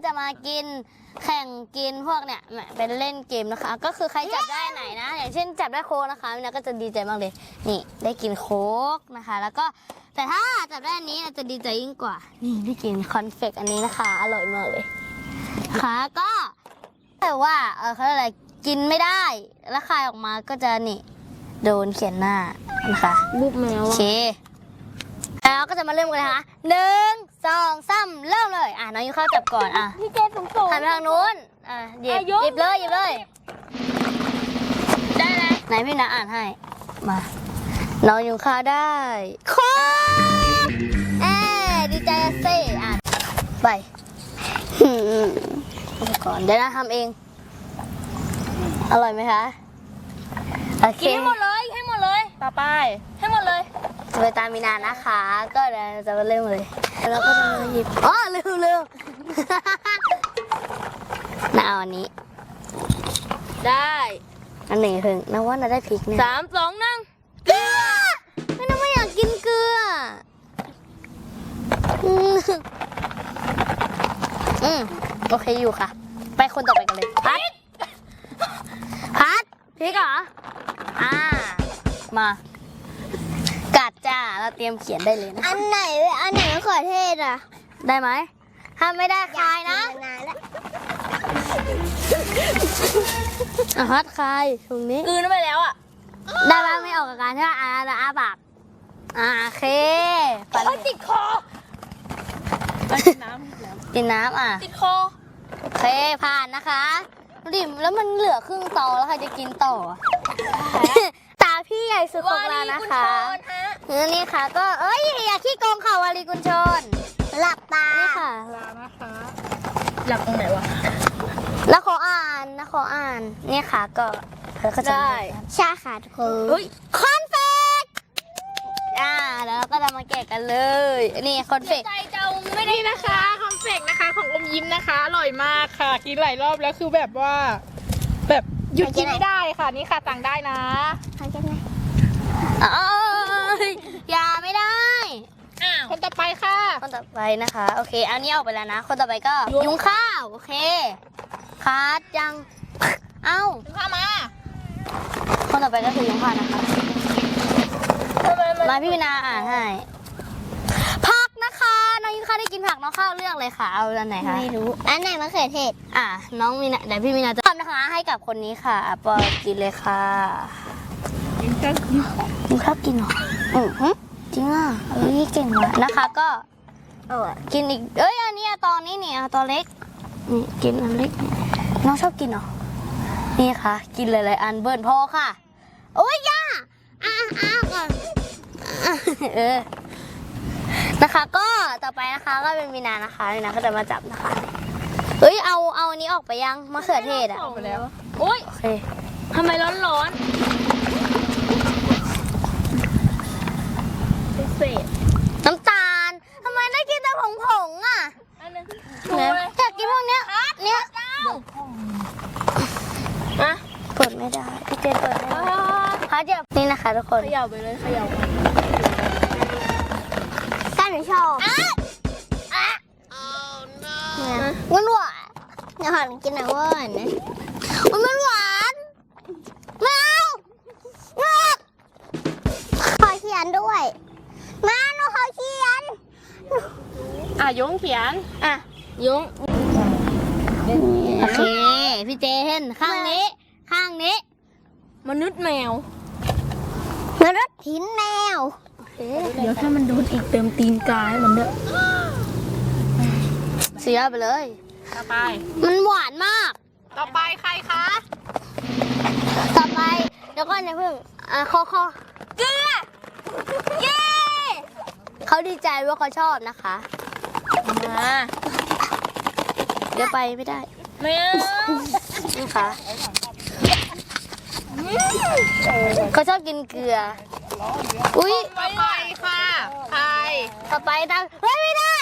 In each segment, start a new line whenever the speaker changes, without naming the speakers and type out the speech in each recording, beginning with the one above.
จะมากินแข่งกินพวกเนี่ยเป็นเล่นเกมนะคะ ก็คือใครจับได้ไหนนะ อย่างเช่นจับได้โค้กนะคะมินาก็จะดีใจมากเลยนี่ได้กินโค้กนะคะ แล้วก็แต่ถ้าจับได้อันนี้จะดีใจยิ่งกว่านี่ได้กินคอนเฟกอันนี้นะคะอร่อยมากเลยค่ะก็แต่ว่าเขาเรียกอะไรกินไม่ได้แล้วคายออกมาก็จะนี่โดนเขียนหน้านะคะบุบแมวโอเคแล้วก็จะมาเริ่มกันนะคะ1 2 3เริ่มเลยน้องยูเข้าจับก่อน
พี่เจสูง
หันไปทางนู้นหยิบเลยได้เลยไหนพี่นาอ่านให้มาน้องยูเข้าได้โค้กดีใจเซ่ไปก่อนเดี๋ยวนะทำเองอร่อยไหมคะโอเค
ให้หมดเลยต่อไปให้หมดเลย
จะไปตามมีนานะคะก็เดี๋ยวจะมาเริ่มเลยแล้วก็จะมาหยิบเร็วน่าเอาอันนี้
ได้
อันหนึ่งถึงนะว่าน่าได้พริกเนี่ย
3 2 1
เกลือไม่น่าไม่อยากกินเกลือโอเคอยู่ค่ะไปคนต่อไปกันเลยพัดพริกเหรอมากัดจ้าเราเตรียมเขียนได้เลยนะ
อันไหนมะเขือเทศ
ได้ไหมถ้าไม่ได้คายนะฮัดคายตรงนี้
คืนไปแล้ว
ได้ไหมไม่ออกอาการใช่ไหมปากโอเค
ติดคอ
กินน้ำ
ติดคอ
โอเคผ่านนะคะดิมแล้วมันเหลือครึ่งตอแล้วใครจะกินต่อตาพี่ใหญ่สุดของเรานะคะนี่ค่ะก็อย่าขี้โกงค่ะวารีกุญชนหลับตานี่ค่ะ
หลับนะคะหลับตรงไหนวะ
แล้วขออ่านนี่ค่ะก็
ได้
ชาขาดคอนเฟกแล้วเราก็จะมาแกะกันเลยนี่คอนเฟก
ใจเจ้าไม่ได้นะคะคอนเฟกนะคะของอมยิ้มนะคะอร่อยมากค่ะกินหลายรอบแล้วคือแบบว่าแบบหยุดกินไม่ได้ค่ะนี่ค่ะสั่งได้นะ
อย่าไม่ได้
คนต่อไปค่ะ
คนต่อไปนะคะโอเคเอานี้ออกไปแล้วนะคนต่อไปก็ยุงข้าวโอเคคัดยัง
ยุงข้าวมา
คนต่อไปก็คือยุงข้าวนะคะมาพี่วินาอ่านให้ผักนะคะน้องยุงข้าวได้กินผักน้องข้าวเลือกเลยค่ะเอาอันไหนคะ
ไม่รู้อันไหนมะเขือเทศ
น้องมีนาเดี๋ยวพี่วินาจะทำนะคะให้กับคนนี้ค่ะปอกินเลยค่ะยุงข้าวกินหรอจริงนี่เก่งว่ะนะคะก็กินอีกอันนี้ตอนนี้เนี่ยตอนเล็กนี่กินอันเล็กน้องชอบกินเหรอนี่ค่ะกินหลายๆอันเบิร์นพอค่ะโอ้ยย่าก่อนนะคะก็ต่อไปนะคะก็เป็นมีนานะคะมีนาก็จะมาจับนะคะเอาอันนี้ออกไปยังมะเขือเทศ
ออกไปแล้วโอ้ย
โอเค
ทำไมร้อน
น้ำตาลทำไมได้กินแต่ผงอยากกินพวกเนี้ยเปิดไม่ได้พี่เจเปิดไม่ได้พัดจับนี่นะคะทุกคน
เขย่าไปเลยเขย่า
ก้านหนูชอบมันหวาน
อย่าหันกินหน่อยว่านะ
มันหวาน
ขอเขียนด้วยมาหนูขอเขียนยุงเขียนยุง
โอเคพี่เจเห็นข้างนี้
มนุษย์แมว
มนุษย์หินแมว
เดี๋ยวถ้ามันโดนอีกเติมตีนกายมันเด้อ
เสียไปเลย
ต่อไป
มันหวานมาก
ต่อไปใครคะ
ต่อไปเดี๋ยวก่อนอย่าเพิ่งคอ
เกลือ
เย้เขาดีใจว่าเขาชอบนะคะเดี๋ยวไปไม่ได้
ไม่
นี่ค่ะเขาชอบกินเกลือ
ต่อไปค่ะใคร
ต่อไปทางไม่ได้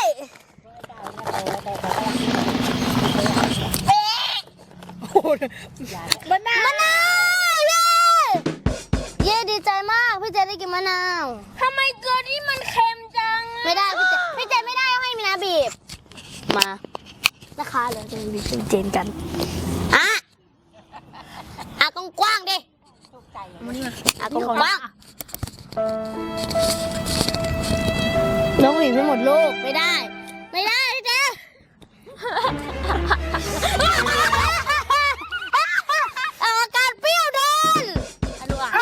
มะนาว
เย้ดีใจมากพี่เจได้กินมะนาว
ทำไมเกลือนี่มันเค็มจัง
ไม่ได้พี่เจไม่ได้ให้มีนาบีบมานะคะเดี๋ยวจะมีเจนกันอ่ะกว้างๆดิกว้างน้องหวีไปหมดลูกไม่ได้พี่เจอาการเปรี้ยวโดนโดน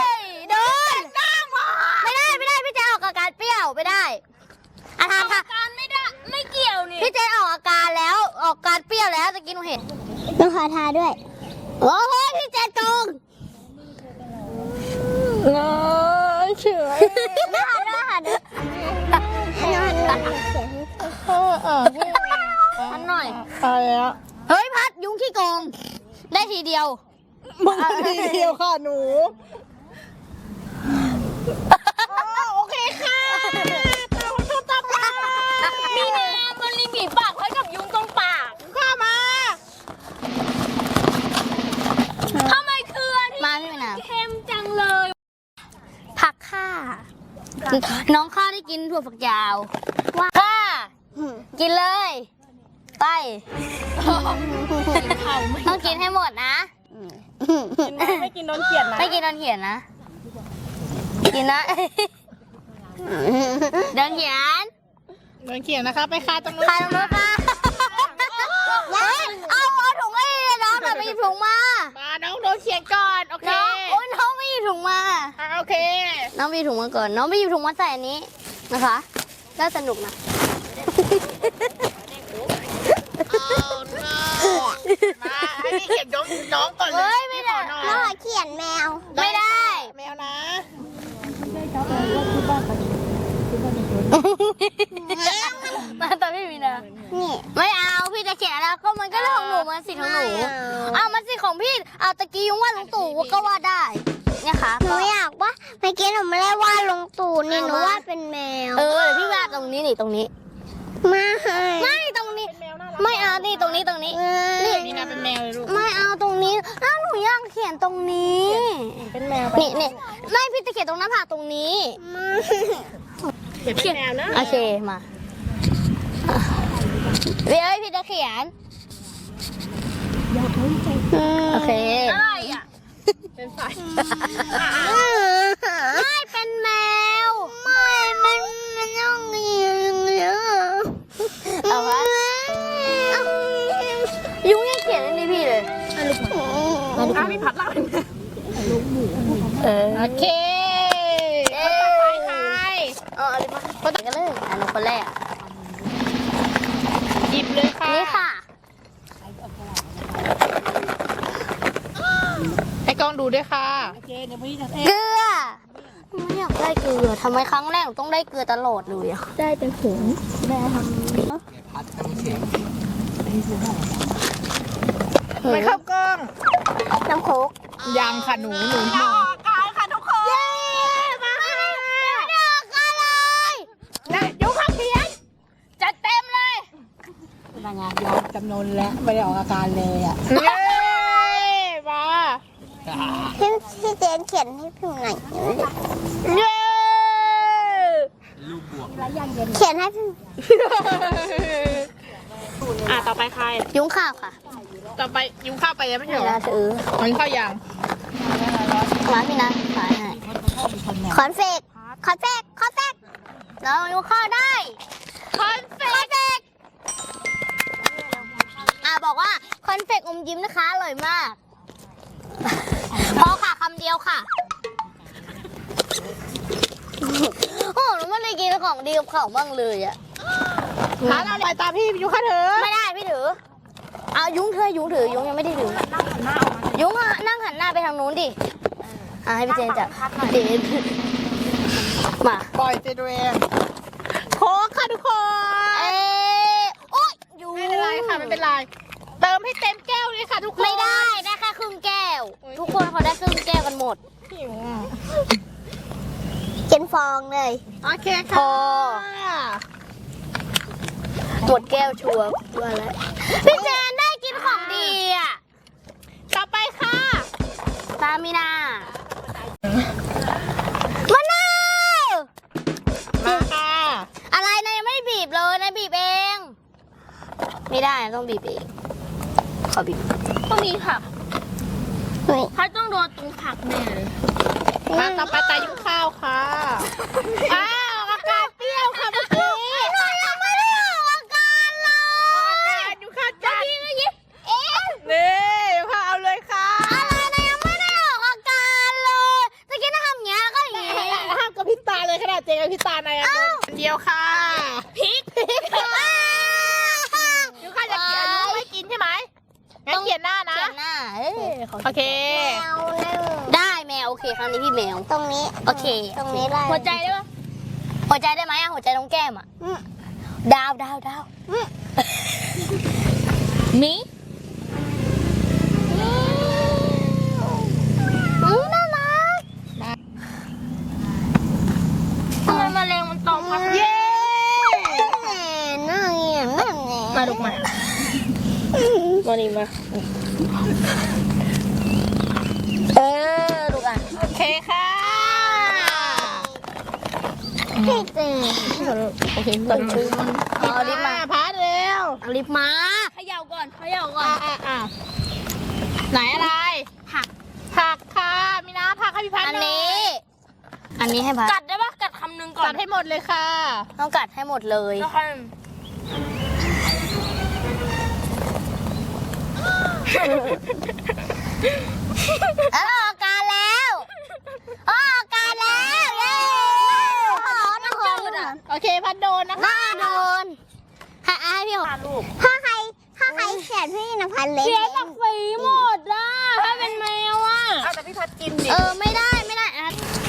ไม่ได้พี่เจออกอาการเปรี้ยวไม่ได้อาการไม่ได้ไม่เกี่ยวนี่พี่เจออกอาการแล้วออกการเปรี้ยวแล้วตะกี้หนูเห็นต้องขอทาด้วยโอ้โหพี่เจโกง
เฉย
ไม่หันพัดหน่อย
อะไรอะ
เฮ้ยพัดยุงขี้โกงได้ทีเดียว
มาทีเดียวค่ะหนูโอเคค่ะต่อไปมีน้ำมันรีบีบปากให้กับยุงตรงปากเข้ามาทำไมคืออันนี้
มาพี่นา
เค็มจังเลย
ผักค่ะน้องข้าได้กินถั่วฝักยาวว่าค่ะกินเลยไปต้องกินให้หมดนะ
กินไม่กินโดนเขียนนะ
ไม่กินโดนเขียนนะ กินนะโดนเขียน
โดนเขียนนะคะไปคาตรงนู้น
ใครลงรถค่ะเฮ้ยเอาถุงไอ้น้องหน่อยไปหยิบถุงมา
มาน้องโดนเขียนก่อนโอเค
น้องโอ้ยน้องไม่หยิบถุงมา
โอเค
น้องไปหยิบถุงมาก่อนน้องไปหยิบถุงมาใส่อันนี้นะคะน่าสนุกนะ
มาให้พี่เขียนน้องก่อนเล
เฮ้
ย
ยไม่ได้
น้
น้
อ
อง งเขียนแมวไม่ได้
แมวนะ
มาตอนพี่มีนะนี่ไม่เอาพี่จะเขียนแล้วก็มันก็เรื่องของหนูมันสิทธิ์ของหนูเอามันสิทธิ์ของพี่เอาตะกี้ยุงว่าลุงตู่ก็ว่าได้เนี่ยค่ะ
หนูอยากว่าเมื่อกี้หนูไม่ได้วาดลงตู่นี่หนูวาดเป็นแมว
เดี๋ยวพี่วาดตรงนี้นี่ตรงนี้
ไม่
ไม่ตรงนี้ไม่เอานี่ตรงนี้นี่
นี่นะเป็นแมวเลยลูก
ไม่เอาตรงนี้อ้าวหนูอยากเขียนตรงนี้
เป็นแมว
นี่ไม่พี่จะเขียนตรงหน้าผากตรงนี้
เขียนเป็นแมวนะ
โอเคมาเดี๋ยวพี่จะเขียนโอเค
อะไรอ่ะเป็นไฟ
ไม่เป็นแมว
มันต้องมีอย่างเงี้ย
เอาวะยุงยังเขียนอันนี้พี่เลย
มีผัดเล่า
โอเค
คนต่อไปใคร
อะไรมาคนไหนกันเลยอันนี้คนแรก
หยิบเลยค่ะ
นี่ค่ะ
ให้กล้องดูด้วยค่ะ
เกลือไม่อยากได้เกลือทำไมครั้งแรกหนูต้องได้เกลือตลอดเลยอะ
ได้เป็นผง
ไม่เข้ากล้อง
น้ำโคก
ยังค่ะหนูหมดกายค่ะทุกคน
มาเด็กกันเลย
นะยกข้าวเขียนจัดเต็มเลย
นางงามยอมจำนนแล้วไม่ได้ออกอาการเลยอ่ะ
เย้มา
พี่เจนเขียนให้พิมพ์หน่อย
เย้
เขียนให้พิมพ์
ต่อไปใคร
ยุ้งข้าวค่ะ
ต่อไปยุงข้าวไปยังไม่ใช่
เดี๋
เห
ยว
รอ
เราถือ
มันข้าวยัง
ร้านพี่นะขายให้
คอนเฟก
แล้วยุ้งข้าวได้
คอนเฟ
คอนเฟกบอกว่าคอนเฟกอมยิ้มนะคะอร่อยมากพอค่ะคำเดียวค่ะโอ้หนูไม่ได้กินของดีกับเขาบ้างเลยอะ
ร้านเราไปตามพี่ยุงข้าวเถอะ
ไม่ได้พี่ถือเอายุ้งถือยุ้งยังไม่ได้ถือยุ้งนั่งหันหน้าไปทางนู้นดิให้พี่เจนจับเจนมา
ปล่อยเจดเวนโค้กค่ะทุกคน
โอ๊ยยุ้ง
ไม่เป็นไรค่ะไม่เป็นไรเติมให้เต็มแก้วเลยค่ะทุกคน
ไม่ได้แค่ครึ่งแก้ว ทุกคนเขาได้ครึ่งแก้วกันหมด
หิวอ่ะ
เขียนฟองเลย
โอเค
พ
ค่ะ
อ หมดแก้วชัวร์ว่าแล้วพี่เจนได้กินของดีอ่ะ
ต่อไปค่ะ
ตามมีนามะนาว
มาค่ะ
อะไรนายยังไม่บีบเลยนายบีบเอง ไม่ได้ได้ต้องบีบเองขอบีบ
ต้องมีผัก
เฮ้ย
พัดต้องโดนตรงผักแน่เลยมาต่อไปตายุ้งข้าวค่ะอ้าวอาการเปรี้ยวค่ะเมื่อกี้
ยังไม่ได้ออกอาการเลย
อาการยุ้งข้าวจัดนี่ยุ้งข้าวเอาเลยค่ะ
อะไรนะยังไม่ได้ออกอาการเลยตะกี้น่าทำอย่างเงี้ยแล้วก็อย่างงี้
ห้ามกับพริบตาเลยขนาดเจกับพริบตาในอันเดียวค่ะพริกยุ้งข้าวจะกินยุ้งไม่กินใช่ไหมงั้นเขียนหน้านะ
เขียนหน้าขอ
โอเค
แมวนั่ง
ได้แมวโอเคครั้งนี้พี่แมว
ตรงนี้
โอเค
ตรงนี้ได้
หัวใจได้ปะ
หัวใจได้ไหมอะหัวใจตรงแก้มอะ
อืม
ดาว
มี
น่ารัก
ทำไมแมลงมันตอมพักเย้
นั่งอย่างนั่นเนี่ย
มาลูกมานี่มา
ลูกอ่ะ
โอเคค่ะ
พี่เจ
โอเคก่อน
เอาลิปมา
พาเร็ว
เอาลิปมา
เขย่าก่อนไหนอะไรผักค่ะมีน้ำผักให้พี่พัน
อัน
หย
นี้ อันนี้ให้พัด
กัดได้ปะกัดคำหนึ่งก่อนกัดให้หมดเลยค่ะ
ต้องกัดให้หมดเลย
แล้วค่อย
ออกอาการแล้วออกอาการแล้วเย้ขอนะขอ
โอเคพันโดนนะคะ
หน้าโดนให้พี่ขอ
ลูก
ถ้าใครเขียนพี่นภัสเล็ก
เสียจากฝีหมดอ่ะถ้าเป็นแมวอ่ะเอาแต่พี่พัดกินดิ
ไม่ได้อ่ะ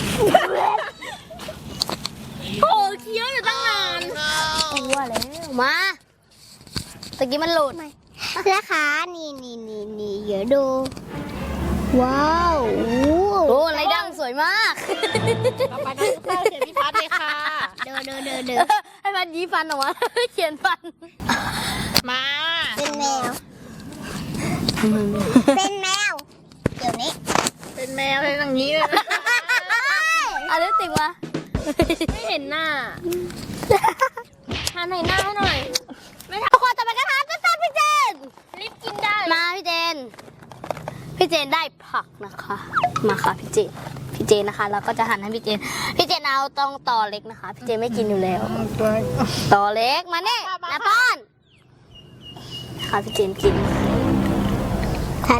โอ้เคี้ยวอยู่ตั้งนาน
ตัวแล้วมาตะกี้มันหลุด
นะคะนี่เดี๋ยวดู ว้าว
โอ้ไรดังสวยมาก
ต่อไปน้องข้าวเขียนพี่พัดเลยค่ะ
เดิน
ให้มันยีฟันออกมา เขียนฟัน
มา
เป็นแมว เป็นแมว เดี๋ยวนี้
เป็นแมวเลยอย่างนี้เลย
เอาลิปสติกมา
ไม่เห็นหน้าทานไหนหน้าให้หน่อย
ทุกคนจะไปกันทานต้นพี่เจน
รีบกินได้
มาพี่เจน พี่เจนได้ผักนะคะ มาค่ะพี่เจนนะคะแล้วก็จะหั่นให้พี่เจนเอาต้องตอเล็กนะคะ พี่เจนไม่กินอยู่แล้วตอเล็กมาเนี่ยนะป้อนค่ะพี่เจนกิน
ทัน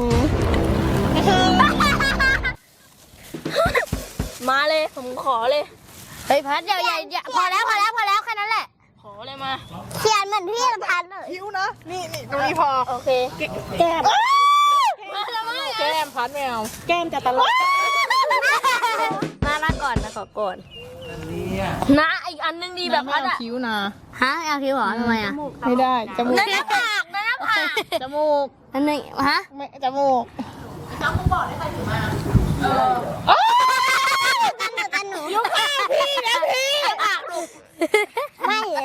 มาเลยผมขอเลย
เฮ้ยพัดอย่าพอแล้วแค่นั้นแหละ
ขอเลยมา
เขียนเหมือนพี่นภัสเลย
หิวนะนี่ตรงนี้พอโอเคแก้มแก้มพัดแมวแก้มจะตลก
มาก่อนนะขอก่อน
นะอีกอันนึงดีแบบพัดอะคิ้วนะ
ฮะเอาคิวเหรอทำไมอ่ะ
ไม่ได้จมูกหน้าผากจมูก
อันนึงฮะ
ไม่จมูก
กันหนู
ยุค่าพี่นะพี่ปากลูก
ไม่เลย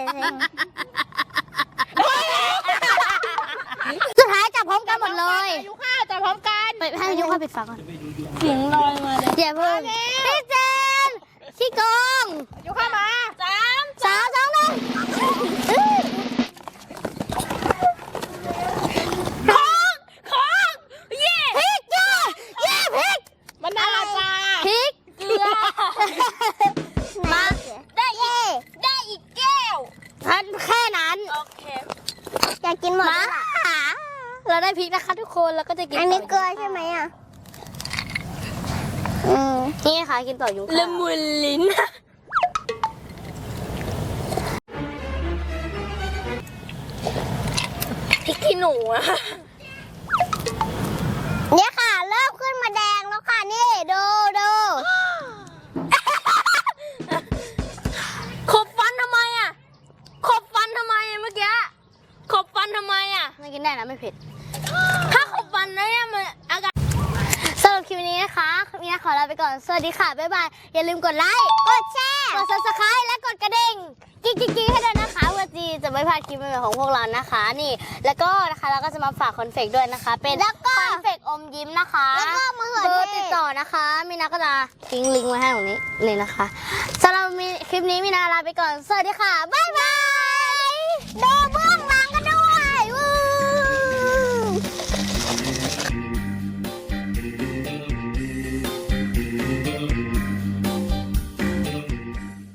สุดท้ายจับพร้อมกันหมดเลย
ยุค่าจะพร้อมกัน
ไปให้ยุค่าปิดฝาก่อน
เสียงลอยมาเลย
อย่าเพิ่งพี่เจนขี้โกง
ยุค่ามา3
3 2 1
ของเย่
พริกจ้าเย้พริก
มะนาวจ้า
พริก
เกลือ
มาได้อีกแก้วแค่นั้น
โอเค
อยากกินหมด
มา
แล้วล่ะ
เราได้พริกนะคะทุกคนแล้วก็จะกิน
อันนี้
ต่
เกลือใช่ไหมอ่ะ
นี่ค่ะกินต่อยุง
ละมุนลิ้นพริกขี้หนูอะ
เนี่ยค่ะ เริ่มขึ้นมาแดงแล้วค่ะ นี่ดู
ขบฟันทำไมอะขบฟันทำไมอะเมื่อกี้ขบฟันทำไมอะ
ไม่กินได้นะไม่เผ็ด
ถ้าขบฟันนะเนี่ยมันอากาศ
สำหรับคลิปนี้นะคะมีนาขอลาไปก่อนสวัสดีค่ะบ๊ายบายอย่าลืมกดไลค์กดแชร์กด subscribe และกดกระดิ่งกิ๊กให้ด้วยนะคะเพื่อที่จะไม่พลาดคลิปใหม่ๆของพวกเรานะคะนี่แล้วก็นะคะเราก็จะมาฝากคอนเฟกด้วยนะคะ เป็นคอนเฟกอมยิ้มนะคะ
แล้วก็มะเขือ
เบอร์
เท
ติด
ศ
ต่อนะคะมีนาก็จะทิ้งลิงก์ไว้ให้ตรงนี้เลยนะคะสำหรับคลิปนี้มีนาลาไปก่อนสวัสดีค่ะบ๊ายบาย